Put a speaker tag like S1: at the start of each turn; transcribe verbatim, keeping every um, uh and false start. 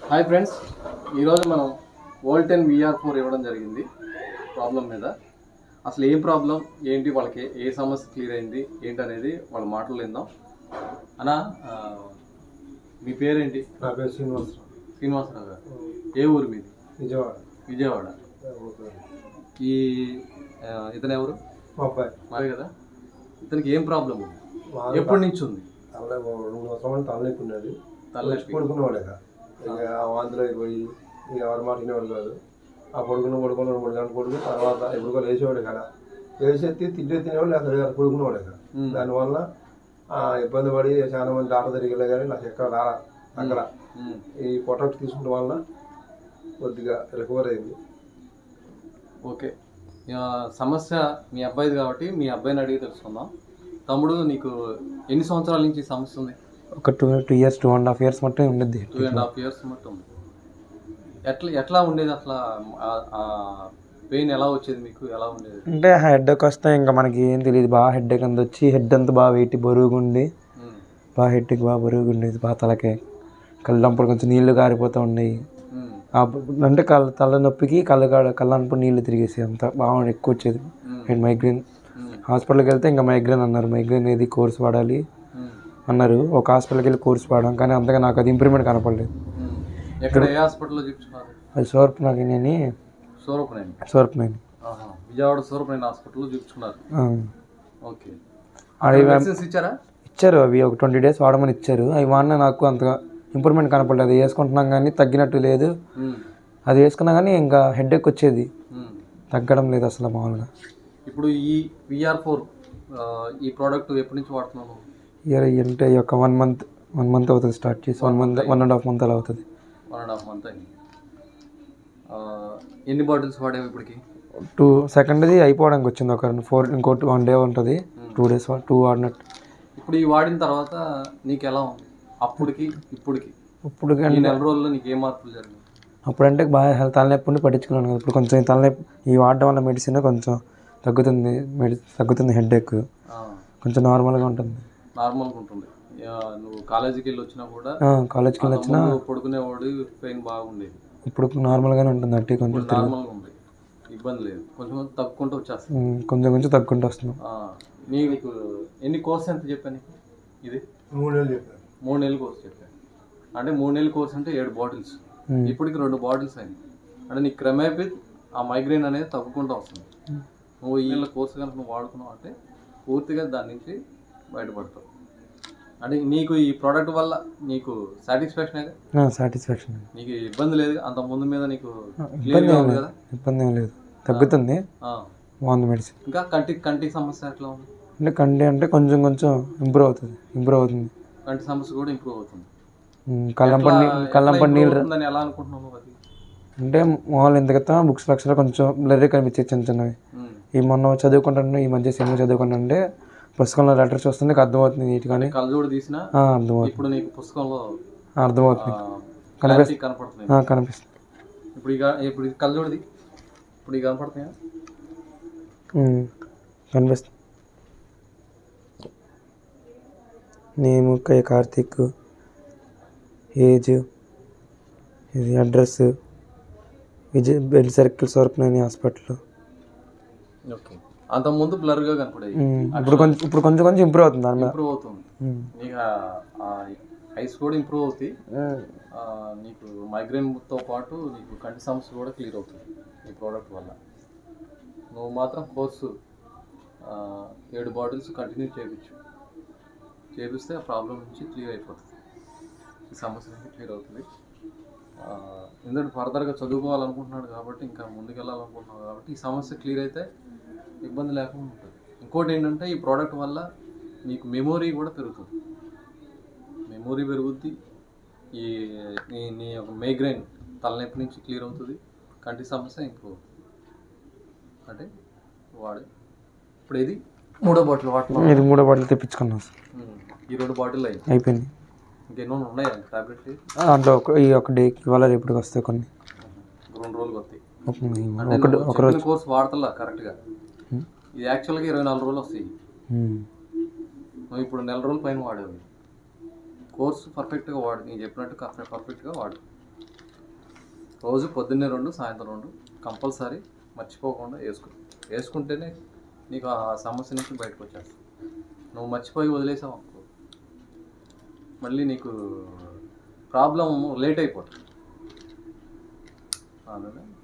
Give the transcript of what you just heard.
S1: Hi friends, ఈరోజు మనం వోల్టెన్ VR four ఇవ్వడం జరిగింది ప్రాబ్లం మీద. అసలు ఏం ప్రాబ్లం ఏంటి, వాళ్ళకి ఏ సమస్య క్లియర్ అయింది ఏంటి అనేది వాళ్ళ మాటలు విందాం. అన్నా, మీ పేరేంటి?
S2: నా పేరు శ్రీనివాసరావు.
S1: శ్రీనివాసరావు గారు, ఏ ఊరు మీది?
S2: విజయవాడ.
S1: విజయవాడ. ఈ ఇతను ఎవరు?
S2: మా అబ్బాయి.
S1: మాది కదా. ఇతనికి ఏం ప్రాబ్లం ఉంది, ఎప్పటి నుంచి ఉంది?
S2: తల రెండు సంవత్సరాలు తలనొప్పి ఉన్నది.
S1: తలనొప్పి
S2: పడుకునేవాడు ఇక ఇక వాంతులు అయిపోయి ఇక ఎవరి మాట వినేవాడు కాదు. ఆ పడుకున్న పడుకున్న రెండు మూడు గంటలు పడుకుని తర్వాత ఎప్పుడు లేచేవాడు కదా, లేచేసి తింటే తినేవాడు లేదా పడుకునేవాడు ఇక. దానివల్ల ఇబ్బంది పడి చాలా మంది డాక్టర్ తిరిగిలే కానీ నాకు ఎక్కడ రారా అక్కడ ఈ ప్రొడక్ట్ తీసుకుంటే వల్ల కొద్దిగా రికవర్ అయింది.
S1: ఓకే, సమస్య మీ అబ్బాయిది కాబట్టి మీ అబ్బాయిని అడిగి తెలుసుకుందాం. తమ్ముడు, నీకు ఎన్ని సంవత్సరాల నుంచి సమస్య ఉంది?
S3: ఒక two two years two and half years మట్టు ఉండేది.
S1: టూ అండ్ హాఫ్ ఇయర్స్ మట్టు ఉంది. ఎట్లా ఎట్లా ఉండేది అసలు? పెయిన్ ఎలా వచ్చేది మీకు? ఎలా ఉండేది
S3: అంటే హెడ్ ఏక్ వస్తే ఇంకా మనకి ఏం తెలియదు. బాగా హెడ్ ఏక్ అంత వచ్చి హెడ్ అంతా బాగా వెయిట్ బరువుగా ఉండి బాగా హెడ్కి బాగా బరువుగా ఉండేది. బాగా తలకే కళ్ళంపుడు కొంచెం నీళ్లు కారిపోతూ ఉండేవి. అంటే కళ్ళ తలనొప్పికి కళ్ళ కళ్ళంపుడు నీళ్లు తిరిగేసి అంత బాగా ఎక్కువ వచ్చేది. Head migraine. హాస్పిటల్కి వెళ్తే ఇంకా మైగ్రేన్ అన్నారు. మైగ్రేన్ ఏది కోర్స్ వాడాలి అన్నారు. ఒక హాస్పిటల్కి వెళ్ళి కోర్స్ వాడాం, కానీ అంతగా నాకు అది ఇంప్రూవ్మెంట్ కనపడలేదు.
S1: ఎక్కడ, ఏ హాస్పిటల్లో చూపించుకున్నారు?
S3: అది సోర్పనని
S1: సూరపనేని
S3: సోర్పనని
S1: విజయవాడ సూరపనేని హాస్పిటల్లో చూపించుకున్నారు. ఓకే, ఇచ్చారా?
S3: ఇచ్చారు. అవి ఒక ట్వంటీ డేస్ వాడమని ఇచ్చారు. అవి వాడినా నాకు అంతగా ఇంప్రూవ్మెంట్ కనపడలేదు. అది వేసుకుంటున్నాం కానీ తగ్గినట్టు లేదు. అది వేసుకున్నా కానీ ఇంకా హెడ్ ఎక్ వచ్చేది, తగ్గడం లేదు అసలు మామూలుగా.
S1: ఇప్పుడు ఈ విఆర్ ఫోర్ ఈ ప్రోడక్ట్ ఎప్పటి నుంచి వాడుతున్నాను?
S3: ఇయర్ అంటే ఒక వన్ మంత్ వన్ మంత్ అవుతుంది స్టార్ట్ చేసి. One month one and half month అలా అవుతుంది.
S1: వన్ అండ్ హాఫ్ మంత్ అయింది. ఎన్ని బాటిల్స్ వాడేవి ఇప్పటికి?
S3: టూ సెకండ్ది అయిపోవడానికి వచ్చింది. ఒక ఫోర్ ఇంకోటి వన్ డే ఉంటుంది. టూ డేస్ టూ వాడినట్టు.
S1: ఇప్పుడు ఈ వాడిన తర్వాత నీకు ఎలా ఉంది? అప్పటికి ఇప్పటికి
S3: ఇప్పుడు
S1: ఈ నెల రోజుల్లో నీకు ఏ మార్పులు జరిగింది?
S3: అప్పుడంటే బాగా హెల్త్ తలనొప్పి ఉండి పట్టించుకున్నాను కదా. ఇప్పుడు కొంచెం తలనొప్పి ఈ వాడడం వల్ల మెడిసిన్ కొంచెం తగ్గుతుంది. మెడి తగ్గుతుంది హెడ్ ఎక్ కొంచెం నార్మల్గా ఉంటుంది.
S1: నార్మల్గా ఉంటుంది. నువ్వు కాలేజీకి వెళ్ళి వచ్చినా కూడా
S3: కాలేజ్కి వెళ్ళి వచ్చినా
S1: పడుకునేవాడు, పెయిన్ బాగుండేది.
S3: ఇప్పుడు నార్మల్గానే ఉంటుంది. అట్టి కొంచెం
S1: నార్మల్గా ఉంది, ఇబ్బంది లేదు. కొంచెం తగ్గుకుంటూ వచ్చేస్తుంది.
S3: కొంచెం కొంచెం తగ్గుకుంటూ వస్తున్నాం.
S1: నీకు ఎన్ని కోర్స్ ఎంత చెప్పాను? ఇది
S2: మూడు నెలలు చెప్పాను.
S1: మూడు నెలల కోర్స్ చెప్పాను. అంటే మూడు నెలల కోర్స్ అంటే ఏడు బాటిల్స్. ఇప్పటికి రెండు బాటిల్స్ అయింది. అంటే నీకు క్రమేపీ ఆ మైగ్రేన్ అనేది తగ్గుకుంటూ వస్తుంది. నువ్వు ఈ నెల కోర్సు కనుక నువ్వు వాడుకున్నావు అంటే పూర్తిగా దాని నుంచి బయటపడతావు. అంటే నీకు ఈ ప్రోడక్ట్ వల్ల నీకు సాటిస్ఫాక్షన్?
S3: సాటిస్ఫాక్షన్.
S1: నీకు ఇబ్బంది లేదు అంత ముందు మీద? నీకు
S3: ఇబ్బంది ఏం లేదు. ఇబ్బంది ఏం లేదు, తగ్గుతుంది, బాగుంది మెడిసిన్.
S1: ఇంకా కంటి కంటి సమస్య ఎట్లా ఉంది?
S3: అంటే కంటి అంటే కొంచెం కొంచెం ఇంప్రూవ్ అవుతుంది ఇంప్రూవ్ అవుతుంది
S1: కంటి సమస్య కూడా ఇంప్రూవ్ అవుతుంది.
S3: కళ్ళంపడి కళ్ళంపడి నీళ్ళు
S1: ఎలా అనుకుంటున్నావు? అది
S3: అంటే మామూలు ఎందుకైతే బుక్స్ లక్షలో కొంచెం బ్లర్రీ కనిపించేది చిన్న చిన్నవి. ఈ మొన్న చదువుకుంటాను, ఈ మధ్య సినిమా చదువుకుంటుంటే పుస్తకంలో లెటర్ చూస్తుంటే అర్థమవుతుంది నీట్గానే.
S1: కళ్ళజోడు తీసినా
S3: అర్థమవుతుంది.
S1: ఇప్పుడు నీకు పుస్తకంలో
S3: అర్థమవుతుంది,
S1: కనిపిస్తుంది కనపడుతుంది
S3: కనిపిస్తుంది.
S1: ఇప్పుడు ఇక ఇప్పుడు ఇది కళ్ళజోడిది ఇప్పుడు ఇక కనపడుతున్నాయా?
S3: కనిపిస్తుంది. నేమ్ కే కార్తిక్, ఏజ్, ఇది address Vijay bell circle Sorpaneni hospital.
S1: Okay, అంత ముందు బ్లర్గా కనపడేది.
S3: ఇప్పుడు కొంచెం ఇప్పుడు కొంచెం కొంచెం ఇంప్రూవ్ అవుతుంది. దాని మీద
S1: ఇంప్రూవ్ అవుతుంది. నీకు ఐస్ కూడా ఇంప్రూవ్ అవుతాయి. నీకు మైగ్రేన్తో పాటు నీకు కంటి సమస్య కూడా క్లియర్ అవుతుంది ఈ ప్రోడక్ట్ వల్ల. నువ్వు మాత్రం కోర్సు ఏడు బాటిల్స్ కంటిన్యూ చేయించు. చేపిస్తే ఆ ప్రాబ్లం నుంచి క్లియర్ అయిపోతుంది, ఈ సమస్య నుంచి క్లియర్ అవుతుంది. ఎందుకంటే ఫర్దర్గా చదువుకోవాలనుకుంటున్నాడు కాబట్టి, ఇంకా ముందుకు వెళ్ళాలనుకుంటున్నాడు కాబట్టి ఈ సమస్య క్లియర్ అయితే ఇబ్బంది లేకుండా ఉంటుంది. ఇంకోటి ఏంటంటే ఈ ప్రోడక్ట్ వల్ల నీకు మెమొరీ కూడా పెరుగుతుంది. మెమొరీ పెరుగుద్ది. ఈ నీ నీ యొక్క మైగ్రేన్ తలనొప్పి నుంచి క్లియర్ అవుతుంది. కంటి సమస్య ఇంప్రూవ్ అవుతుంది. అంటే వాడే ఇప్పుడు ఇది మూడో బాటిల్ వాడుతున్నాం.
S3: ఇది మూడో బాటిల్ తెప్పించుకున్నాం.
S1: ఈ రెండు బాటిల్ అయ్యి
S3: అయిపోయింది.
S1: ఇంకెన్నో ఉన్నాయా టాబ్లెట్స్?
S3: దాంట్లో ఒక ఈ ఒక డేకి ఇవాళ రేపటికి వస్తాయి కొన్ని.
S1: రెండు రోజులు వస్తాయి.
S3: ఒకటి ఒక రోజు
S1: కోర్స్ వాడతలా కరెక్ట్గా. ఇది యాక్చువల్గా ఇరవై నాలుగు రోజులు వస్తాయి. నువ్వు ఇప్పుడు నెల రోజుల పైన వాడేవి. కోర్సు పర్ఫెక్ట్గా వాడు, నేను చెప్పినట్టు పర్ఫెక్ట్గా వాడు. రోజు పొద్దున్నే రెండు సాయంత్రం రెండు కంపల్సరీ మర్చిపోకుండా వేసుకో. వేసుకుంటేనే నీకు ఆ సమస్య నుంచి బయటకు వచ్చేస్తావు. నువ్వు మర్చిపోయి వదిలేసావు అనుకో, మళ్ళీ నీకు ప్రాబ్లం లేట్ అయిపోతుంది. అందుకని